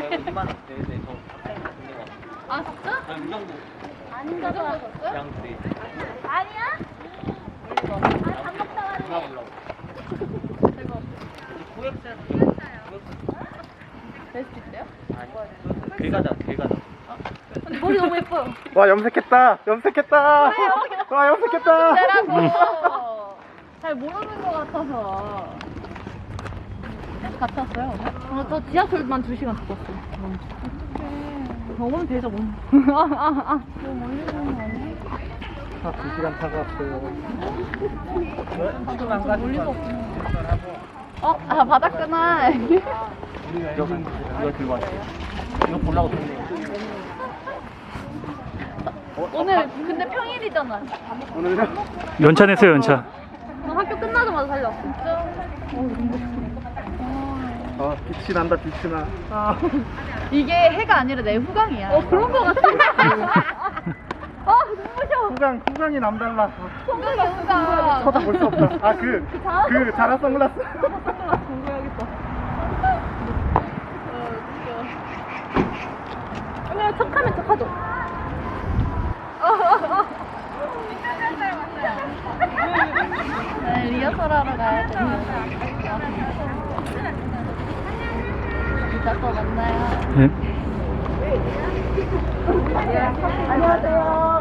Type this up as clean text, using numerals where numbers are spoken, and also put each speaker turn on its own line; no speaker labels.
2만 원. 네네 저.
아 진짜?
이 정도.
아닌가 봐.
양들이.
아니야? 아, 밥 먹다 왔네.
누나 보려고. 고액살.
될수 있어요?
아니. 괴가다 괴가다.
근데 머리 너무 예뻐요.
와 염색했다. 염색했다. 와 염색했다.
내라고. 잘 모르는 것 같아서. 갔다 왔어요. 저 지하철만 2시간 갔다 왔어요. 먹으면 되죠, 뭐. 너무 멀리 가는 거 아니야?
2시간 타고 왔어요.
지금 안 가는 거.
바닥구나.
이거 들고 왔어요. 이거 보려고 샀네요.
오늘 근데 평일이잖아.
오늘은
연차 냈어요, 연차.
학교 끝나자마자 살렸어. 진짜?
빛이 난다. 빛이 나.
이게 해가 아니라 내 후광이야. 그런 거 같아. 눈부셔.
후광이 남달라.
후광이 후광.
쳐다볼 수 없다. 그 자라 선글라스.
공부해야겠다. 그냥 척하면 척하죠. 네, 리허설 하러 가야 돼요. 이따 또 만나요.
네.
안녕하세요.